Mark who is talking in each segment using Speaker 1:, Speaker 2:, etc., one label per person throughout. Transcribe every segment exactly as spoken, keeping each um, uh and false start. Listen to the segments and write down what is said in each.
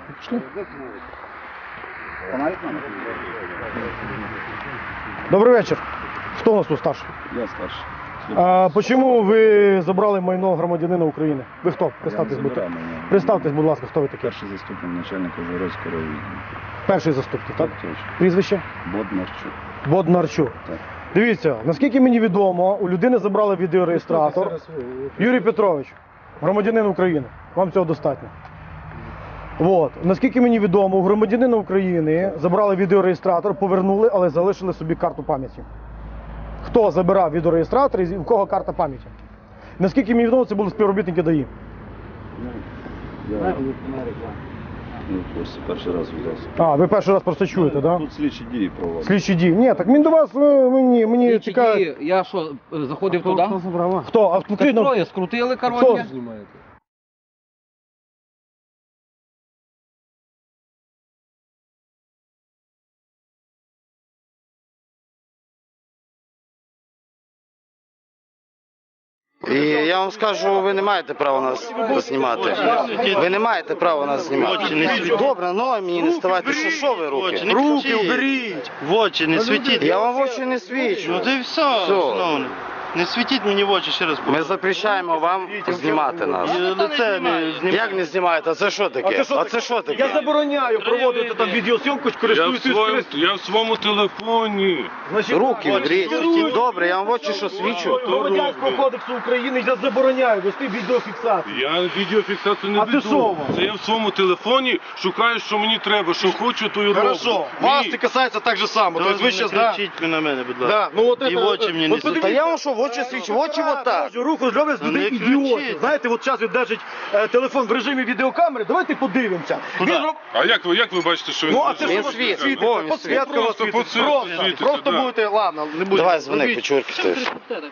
Speaker 1: Пішли. Добрий вечір. Хто у нас тут старший?
Speaker 2: Я старший.
Speaker 1: А чому ви забрали майно громадянина України? Ви хто? Представтесь, будь ласка. Представтесь, будь ласка, хто ви такий?
Speaker 2: Перший заступник начальника Ужгородського району.
Speaker 1: Перший заступник, так?
Speaker 2: Так, точно.
Speaker 1: Прізвище?
Speaker 2: Боднарчук.
Speaker 1: Боднарчук.
Speaker 2: Так.
Speaker 1: Дивіться, наскільки мені відомо, у людини забрали відеореєстратор. Юрій Петрович, громадянин України. Вам цього достатньо. От. Наскільки мені відомо, у громадянина України забрали відеореєстратор, повернули, але залишили собі карту пам'яті. Хто забирав відеореєстратор і в кого карта пам'яті? Наскільки мені відомо, це були співробітники ДАІ.
Speaker 2: Я ну, просто перший раз взявся.
Speaker 1: А, ви перший раз просто чуєте, так?
Speaker 2: Тут слідчі дії проводять.
Speaker 1: Слідчі дії. Ні, так він до вас, е, мені, мені цікаво.
Speaker 3: Я що, заходив туди?
Speaker 1: Хто? А
Speaker 3: Так троє скрутили, коротше.
Speaker 4: І я вам скажу, ви не маєте права нас знімати. Ви не маєте права нас знімати. Добре, ну мені не ставайте. Що, що ви руки? Руки уберіть!
Speaker 5: В очі не світіть.
Speaker 4: Я вам в очі не свічу.
Speaker 5: Ну то і все, шановний. Не світіть мені в очі, ще раз
Speaker 4: Ми
Speaker 5: повторю.
Speaker 4: запрещаємо вам знімати нас.
Speaker 5: І лице не знімайте.
Speaker 4: Як не знімаєте? А це що таке? А це що
Speaker 1: Я
Speaker 4: таке?
Speaker 1: забороняю проводити там відеосйомку,
Speaker 6: Я в,
Speaker 1: користуючись
Speaker 6: своєму, я в своєму телефоні.
Speaker 4: Руки уберіть. Добре, я вам в очі що свічу?
Speaker 1: Громадянського кодексу України я забороняю вести відеофіксацію.
Speaker 6: Я відеофіксацію не
Speaker 1: А ти
Speaker 6: веду.
Speaker 1: що?
Speaker 6: Це я в своєму телефоні шукаю, що мені треба, що хочу, то й роблю.
Speaker 1: Хорошо, вас
Speaker 6: Ні.
Speaker 1: це касається так же само. Тобто ви
Speaker 5: Не
Speaker 1: зараз, да?
Speaker 5: кричіть на мене, будь ласка.
Speaker 1: Да, ну от
Speaker 5: І
Speaker 1: это-
Speaker 5: в очі мені не
Speaker 1: от
Speaker 5: світіть.
Speaker 4: Та я вам що, в очі свічу? В очі отак.
Speaker 1: Руку зроблять з
Speaker 5: Ну,
Speaker 1: людей
Speaker 5: не
Speaker 1: ідіоти.
Speaker 5: кричіть.
Speaker 1: Знаєте, от зараз він держить е, телефон в режимі відеокамери, давайте подивимося.
Speaker 5: Куди?
Speaker 1: Він роб-
Speaker 6: А як ви, як ви бачите, що він...
Speaker 1: Ну, а це
Speaker 4: Він
Speaker 1: що
Speaker 4: світ.
Speaker 1: світить?
Speaker 4: Во, він
Speaker 1: Подсвітка
Speaker 6: світ.
Speaker 1: у вас
Speaker 6: Просто
Speaker 1: світить.
Speaker 6: подсвітка
Speaker 1: Просто,
Speaker 6: світиться,
Speaker 1: просто
Speaker 6: да.
Speaker 1: будете, ладно, не будете.
Speaker 4: Давай дзвони, печурки ти.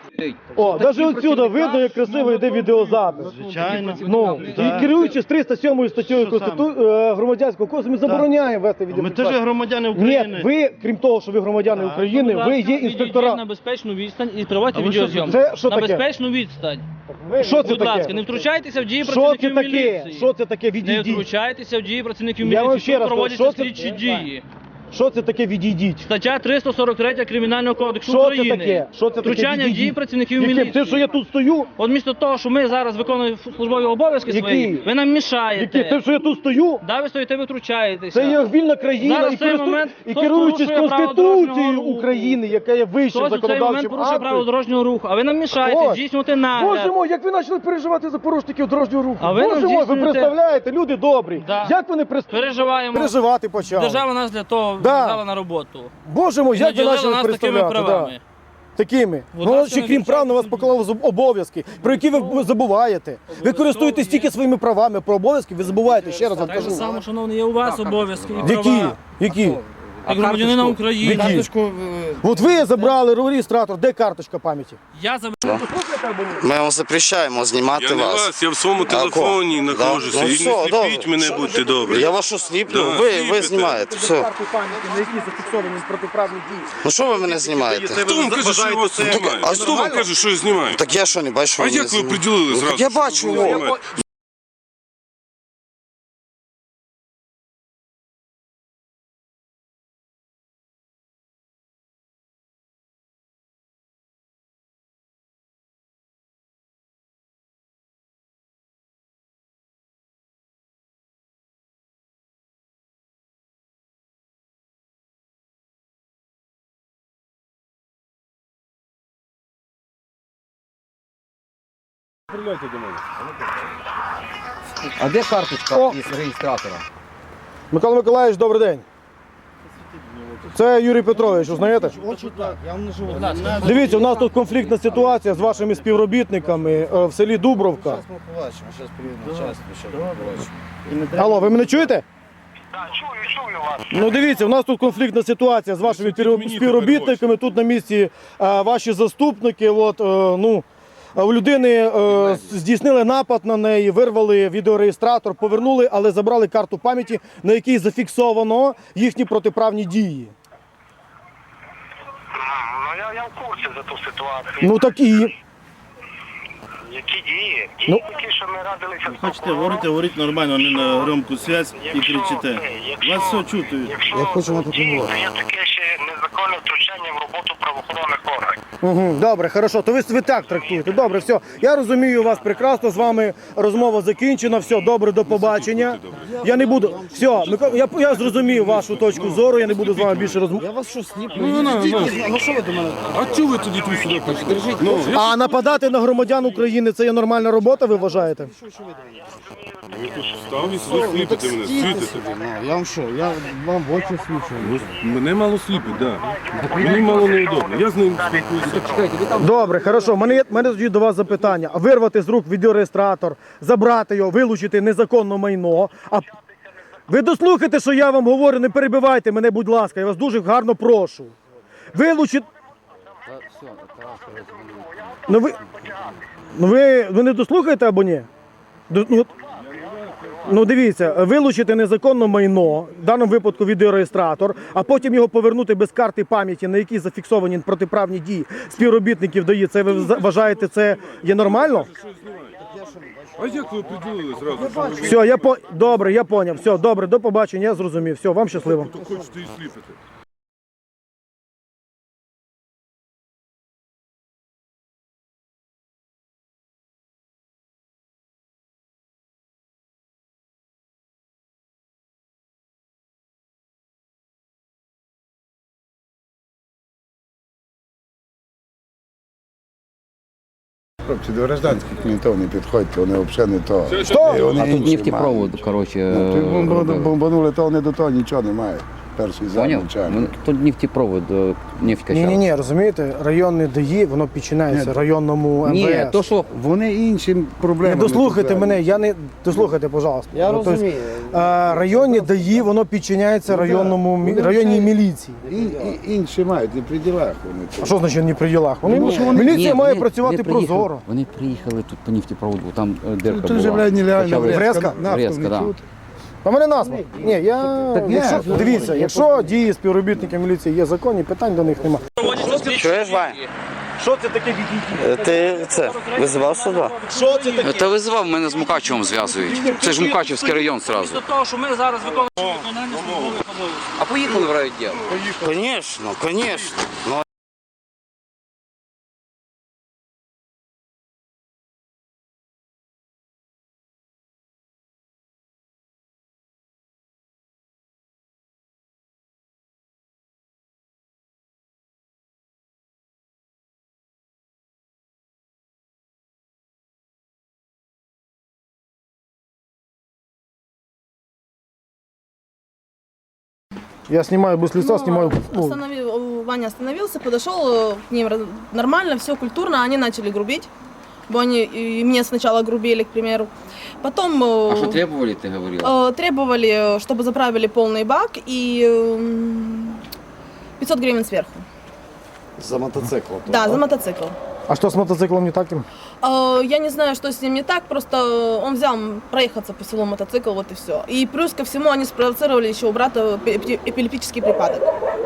Speaker 1: О, навіть отсюда видно, як красиво йде відеозапис.
Speaker 5: Звичайно.
Speaker 1: Ну, і керуючись триста сьомою статтею Конститу... е, громадянського кодексу, ми забороняємо вести
Speaker 5: Ми
Speaker 1: відеофіксацію.
Speaker 5: теж громадяни
Speaker 1: Ні,
Speaker 5: України.
Speaker 1: ви, крім того, що ви громадяни України, ви є
Speaker 7: Відійдіть на
Speaker 1: інспектора.
Speaker 7: безпечну відстань і проводьте
Speaker 5: А ви
Speaker 7: відеозйомку.
Speaker 1: що, це що
Speaker 7: на
Speaker 1: таке?
Speaker 7: безпечну відстань.
Speaker 1: Що це
Speaker 7: Будь ласка,
Speaker 1: таке?
Speaker 7: не втручайтеся в дії
Speaker 1: Що це
Speaker 7: працівників
Speaker 1: таке?
Speaker 7: міліції.
Speaker 1: Що це таке?
Speaker 7: Не
Speaker 1: Відійдіть.
Speaker 7: втручайтеся в дії працівників
Speaker 1: Я вам
Speaker 7: міліції.
Speaker 1: ще
Speaker 7: Тут
Speaker 1: раз кажу,
Speaker 7: проводяться
Speaker 1: що це-
Speaker 7: слідчі дії.
Speaker 1: Що це таке відійдіть?
Speaker 7: Стаття триста сорок три Кримінального кодексу
Speaker 1: Що це
Speaker 7: України.
Speaker 1: таке? Що це таке
Speaker 7: Втручання в
Speaker 1: відійдіть?
Speaker 7: дії працівників
Speaker 1: Яким?
Speaker 7: міліції.
Speaker 1: Те, що я тут стою?
Speaker 7: От місто того, що ми зараз виконуємо службові обов'язки
Speaker 1: Які?
Speaker 7: свої, ви нам мішаєте.
Speaker 1: Які? Те, що я тут стою?
Speaker 7: Да, ви стоїте, ви втручаєтеся.
Speaker 1: Це є вільна країна
Speaker 7: Зараз
Speaker 1: і,
Speaker 7: в цей
Speaker 1: користу...
Speaker 7: момент
Speaker 1: і
Speaker 7: хтось
Speaker 1: керуючись
Speaker 7: порушує право
Speaker 1: Конституцією
Speaker 7: дорожнього руху.
Speaker 1: України, яка є вищим
Speaker 7: Хтось у цей момент
Speaker 1: законодавчим
Speaker 7: порушує право
Speaker 1: актом.
Speaker 7: дорожнього руху, а ви нам мішаєте
Speaker 1: Ось.
Speaker 7: здійснювати нагляд.
Speaker 1: Боже мой, як ви почали переживати за порушників дорожнього руху.
Speaker 7: А ви нам
Speaker 1: Боже мой, ви
Speaker 7: здійснюєте-
Speaker 1: представляєте, люди добрі.
Speaker 7: Да.
Speaker 1: Як вони прис...
Speaker 7: Переживаємо.
Speaker 1: переживати почали?
Speaker 7: Держава нас для того
Speaker 1: Да.
Speaker 7: взяла на роботу.
Speaker 1: Боже мой, як ви
Speaker 7: Наділила
Speaker 1: почали
Speaker 7: нас такими
Speaker 1: представляти?
Speaker 7: правами.
Speaker 1: Да. Такими.
Speaker 7: Будь
Speaker 1: Ну,
Speaker 7: ласка,
Speaker 1: ще
Speaker 7: не
Speaker 1: крім прав на вас
Speaker 7: втручайтесь.
Speaker 1: поклали зоб- обов'язки, про які ви забуваєте. Ви користуєтесь тільки своїми правами, про обов'язки ви забуваєте, ще раз вам
Speaker 7: Так же
Speaker 1: кажу.
Speaker 7: само, шановний, є у вас обов'язки і
Speaker 1: Які?
Speaker 7: права.
Speaker 1: Які?
Speaker 7: Як громадянина України.
Speaker 1: Які? От ви забрали реєстратор, де карточка пам'яті?
Speaker 7: Я забрав.
Speaker 4: Ми вам запрещаємо знімати
Speaker 6: Я не
Speaker 4: вас.
Speaker 6: вас, я в своєму
Speaker 4: А,
Speaker 6: телефоні
Speaker 4: да.
Speaker 6: знаходжуся.
Speaker 4: Ну,
Speaker 6: І
Speaker 4: все,
Speaker 6: не сліпіть
Speaker 4: добре.
Speaker 6: мене, будьте добрі.
Speaker 4: Я вас що сліплю?
Speaker 6: Да,
Speaker 4: Ви, ви
Speaker 6: сліпите.
Speaker 4: знімаєте. Все.
Speaker 1: Карту пам'яті, на якій зафіксовані протиправні дії.
Speaker 4: Ну що ви мене знімаєте?
Speaker 6: Хто вам каже, що я вас знімаю?
Speaker 4: А
Speaker 6: Хто вам каже, що я знімаю?
Speaker 4: Так я що не бачу?
Speaker 6: А
Speaker 4: ви мене
Speaker 6: як ви
Speaker 4: знімаєте?
Speaker 6: приділили
Speaker 4: Ну,
Speaker 6: зразу?
Speaker 4: так я
Speaker 6: що
Speaker 4: бачу,
Speaker 6: ви
Speaker 4: во.
Speaker 6: знімаєте?
Speaker 3: А де карточка
Speaker 1: О!
Speaker 3: із реєстратора?
Speaker 1: Микола Миколаївич, добрий день. Це Юрій Петрович, узнаєте? Дивіться, у нас тут конфліктна ситуація з вашими співробітниками е, в селі Дубровка.
Speaker 3: Ми побачимо, зараз приїде начальство, що побачимо.
Speaker 1: Алло, ви мене чуєте? Так, чую, чую вас. Ну дивіться, у нас тут конфліктна ситуація з вашими спів- співробітниками. Тут на місці е, ваші заступники. От, е, ну, е, у людини е, здійснили напад на неї, вирвали відеореєстратор, повернули, але забрали карту пам'яті, на якій зафіксовано їхні протиправні дії.
Speaker 8: Ну, я, я в курсі за ту ситуацію.
Speaker 1: Ну так і.
Speaker 8: Які дії?
Speaker 1: Ну.
Speaker 8: Дії такі, що ми радилися з
Speaker 3: Хочете,
Speaker 8: прокурором.
Speaker 3: говорите, говоріть нормально, не на громку связь і
Speaker 8: Якщо,
Speaker 3: кричите.
Speaker 8: е, якщо-
Speaker 3: Вас все чути.
Speaker 8: Якщо
Speaker 4: Я хочу на таку
Speaker 8: дії,
Speaker 4: увагу.
Speaker 8: то є таке ще незаконне втручання в роботу правоохоронних органів.
Speaker 1: Угу, добре, хорошо. То ви, ви так трактуєте. Добре, все. Я розумію вас прекрасно. З вами розмова закінчена. Все, добре, до побачення. Я не буду. Все, Микола, я, я зрозумів вашу точку зору. Я не буду з вами більше розмовляти.
Speaker 4: Я вас що сліплю?
Speaker 6: Ну, ну, ну.
Speaker 4: Ну що ви до мене?
Speaker 6: А чого ви тоді тут сюди прийшли? Ну, я
Speaker 1: А нападати на громадян України це є нормальна робота, ви вважаєте?
Speaker 6: став і сюди сліпити мене, світити.
Speaker 4: Я вам що? Я вам в очі свічу.
Speaker 6: Ну, мене мало сліпить, так. Да. Мені мало неудобно. Я з ним спілкуюся.
Speaker 1: Добре, хорошо. У мене є в мене тоді до вас запитання. Вирвати з рук відеореєстратор, забрати його, вилучити незаконне майно. А ви дослухайте, що я вам говорю, не перебивайте мене, будь ласка. Я вас дуже гарно прошу. Вилучити. Ну ви, ну ви, ви не дослухаєте або ні? До- Ну, от- ну дивіться, вилучити незаконне майно, в даному випадку відеореєстратор, а потім його повернути без карти пам'яті, на якій зафіксовані протиправні дії співробітників ДАІ. Це ви за- вважаєте, це є нормально?
Speaker 6: А як ви приділили зразу? Що ви
Speaker 1: Все, я по... добре, я поняв. Все, добре, до побачення, я зрозумів. Все, вам щасливо.
Speaker 6: то хочете і сліпити?
Speaker 9: Хлопці, до гражданських мінтів не підходьте, вони взагалі не то.
Speaker 1: Що?
Speaker 9: І вони
Speaker 10: А тут
Speaker 9: інші
Speaker 10: нефтепровод,
Speaker 9: мають.
Speaker 10: короче,
Speaker 9: Ну, тут бомбану-
Speaker 10: робили.
Speaker 9: бомбанули, то вони до того нічого немає. Перший
Speaker 10: Понял?
Speaker 9: замначальник.
Speaker 10: Ну, Тут нефтепровод, е, нефть
Speaker 1: Ні,
Speaker 10: качала.
Speaker 1: ні, ні, розумієте, районне ДАІ, воно підчиняється
Speaker 9: Ні,
Speaker 1: районному
Speaker 10: Ні,
Speaker 1: ем ве ес.
Speaker 10: то що,
Speaker 9: Вони інші
Speaker 1: Не
Speaker 9: проблеми.
Speaker 1: дослухайте
Speaker 9: тут,
Speaker 1: мене, я не дослухайте, пожалуйста.
Speaker 4: Я
Speaker 1: Ну, тобто,
Speaker 4: розумію.
Speaker 1: е, районні ДАІ, воно підчиняється
Speaker 9: Ну, да.
Speaker 1: районному мі-
Speaker 9: Вони
Speaker 1: районній
Speaker 9: вже-
Speaker 1: міліції.
Speaker 9: І, і, інші мають, не при ділах вони.
Speaker 1: А що значить не при ділах? Вони,
Speaker 9: Ну, що вони-
Speaker 1: міліція
Speaker 10: Ні,
Speaker 1: має
Speaker 10: вони-
Speaker 1: працювати
Speaker 10: вони приїхали-
Speaker 1: прозоро.
Speaker 10: Вони приїхали тут по нефтепроводу, там е, дирка
Speaker 9: Тут вже,
Speaker 10: була.
Speaker 9: блядь, нереально
Speaker 10: Почали-
Speaker 1: Врезка?
Speaker 10: Врезка, да.
Speaker 1: А мене насміх. Ні, я
Speaker 9: Так ні,
Speaker 1: якщо,
Speaker 9: ну,
Speaker 1: дивіться, якщо дії співробітників міліції є законні, питань до них немає.
Speaker 4: Чуєш, Вань?
Speaker 1: Що це таке?
Speaker 4: Ти це визивав сюди?
Speaker 1: Що це таке?
Speaker 10: Та визивав, мене з Мукачевом зв'язують. Це ж Мукачевський район зразу.
Speaker 7: Після того, що ми зараз виконуємо виконання службових обов'язків.
Speaker 10: А поїхали в райвідділ.
Speaker 4: Звісно, звісно. Ну,
Speaker 1: Я снимаю без лица,
Speaker 11: Ну,
Speaker 1: снимаю... ну,
Speaker 11: остановил- Ваня остановился, подошел э, к ним раз- нормально, все культурно, они начали грубить. Бо они и мне сначала грубили, к примеру. Потом э,
Speaker 10: А що требували, ти говорила?
Speaker 11: э, требовали, чтобы заправили полный бак и э, пятьсот гривен сверху.
Speaker 4: за мотоцикл.
Speaker 11: Да, за мотоцикл.
Speaker 1: А что с мотоциклом не так?
Speaker 11: Э, Я не знаю, что с ним не так, просто он взял проехаться по селу мотоцикл, вот и все. И плюс ко всему они спровоцировали еще у брата эпи- эпилептический припадок.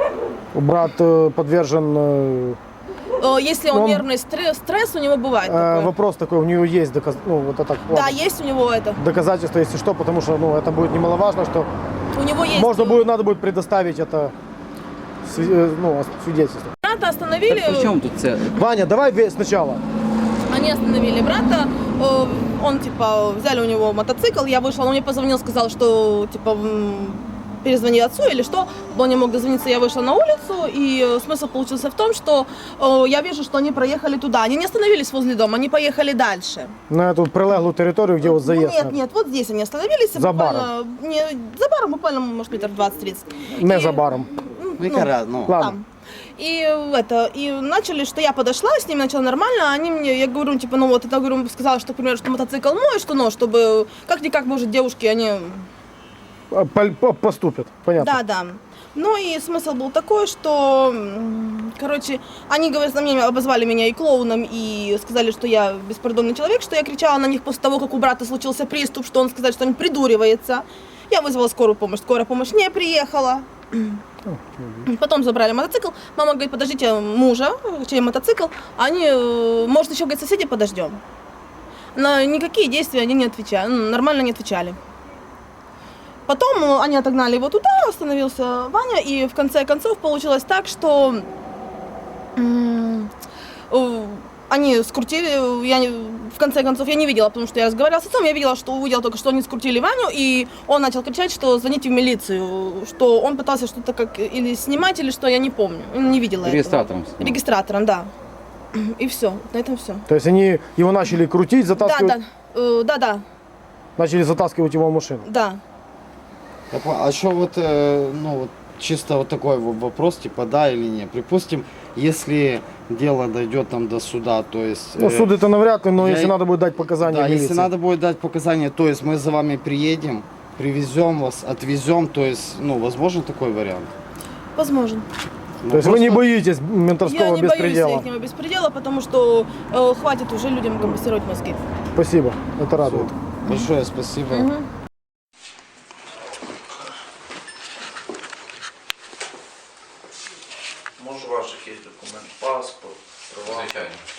Speaker 1: Брат э, подвержен... э,
Speaker 11: Э, Если он,
Speaker 1: Он-
Speaker 11: нервный стресс, стресс у него бывает
Speaker 1: э,
Speaker 11: такое.
Speaker 1: вопрос такой, у нее есть доказ... ну, вот это,
Speaker 11: Да,
Speaker 1: ладно,
Speaker 11: есть у него это.
Speaker 1: доказательства, если что, потому что ну, это будет немаловажно, что
Speaker 11: У него есть.
Speaker 1: можно будет, надо будет предоставить это сви- э, ну, свидетельство.
Speaker 11: Брата остановили.
Speaker 10: При чому тут це?
Speaker 1: Ваня, давай ве- сначала.
Speaker 11: Они остановили брата. э, Он типа взяли у него мотоцикл. Я вышла, он мне позвонил, сказал, что типа м, перезвони отцу или что. Он не мог дозвониться, я вышла на улицу. И э, смысл получился в том, что э, я вижу, что они проехали туда. Они не остановились возле дома, они поехали дальше.
Speaker 1: На эту прилеглую территорию, где вот заезд.
Speaker 11: Нет, нет, вот здесь они остановились.
Speaker 1: За
Speaker 11: буквально- Не, за баром буквально, может, метров двадцать-тридцать.
Speaker 1: Не
Speaker 11: И-
Speaker 1: за баром.
Speaker 11: Ну,
Speaker 4: Ну, яка раз, ну.
Speaker 1: Ладно.
Speaker 11: там. И это, и начали, что я подошла, с ними начала нормально, а они мне, я говорю, типа, ну вот, это, говорю, сказала, что, к примеру, что мотоцикл мой, что, ну, чтобы, как-никак, может, девушки, они,
Speaker 1: А, пол- по- Поступят, понятно.
Speaker 11: да, да. Ну и смысл был такой, что, м, короче, они, говорят, на меня обозвали меня и клоуном, и сказали, что я беспардонный человек, что я кричала на них после того, как у брата случился приступ, что он сказал, что он придуривается. Я вызвала скорую помощь, скорая помощь не приехала. Потом забрали мотоцикл. Мама говорит, подождите мужа, чей мотоцикл. Они, э, может, еще, говорит, соседи подождем. на никакие действия они не отвечали, ну, нормально не отвечали. Потом э, они отогнали его туда, остановился Ваня, и в конце концов получилось так, что м, э, они скрутили, я не, в конце концов я не видела, потому что я разговаривала с отцом, я видела, что увидела только, что они скрутили Ваню, и он начал кричать, что звоните в милицию, что он пытался что-то как или снимать, или что, я не помню, не видела
Speaker 10: Регистратором
Speaker 11: этого.
Speaker 10: снимал.
Speaker 11: Регистратором, да. И все, на этом все.
Speaker 1: То есть они его начали крутить,
Speaker 11: Да,
Speaker 1: затаскивать,
Speaker 11: да, э, да, да,
Speaker 1: начали затаскивать его в машину.
Speaker 11: да.
Speaker 3: Я понял. А что вот, э, ну, вот чисто вот такой вот вопрос, типа, да или нет. Припустим, если дело дойдет там до суда, то есть...
Speaker 1: Ну,
Speaker 3: э,
Speaker 1: суд это навряд ли, но
Speaker 3: я-
Speaker 1: если надо будет дать показания
Speaker 3: Да,
Speaker 1: в милиции.
Speaker 3: если надо будет дать показания, то есть мы за вами приедем, привезем вас, отвезем, то есть, ну, возможно такой вариант?
Speaker 11: Возможно.
Speaker 3: Ну,
Speaker 1: То есть вы не
Speaker 3: просто-
Speaker 1: боитесь ментовского
Speaker 11: Я не
Speaker 1: беспредела?
Speaker 11: боюсь ихнего беспредела, потому что э, хватит уже людям компенсировать мозги.
Speaker 1: Спасибо, это радует.
Speaker 3: Большое спасибо.
Speaker 11: Мгм.
Speaker 3: Може, у ваших є документ, паспорт, права?
Speaker 10: Звичайно.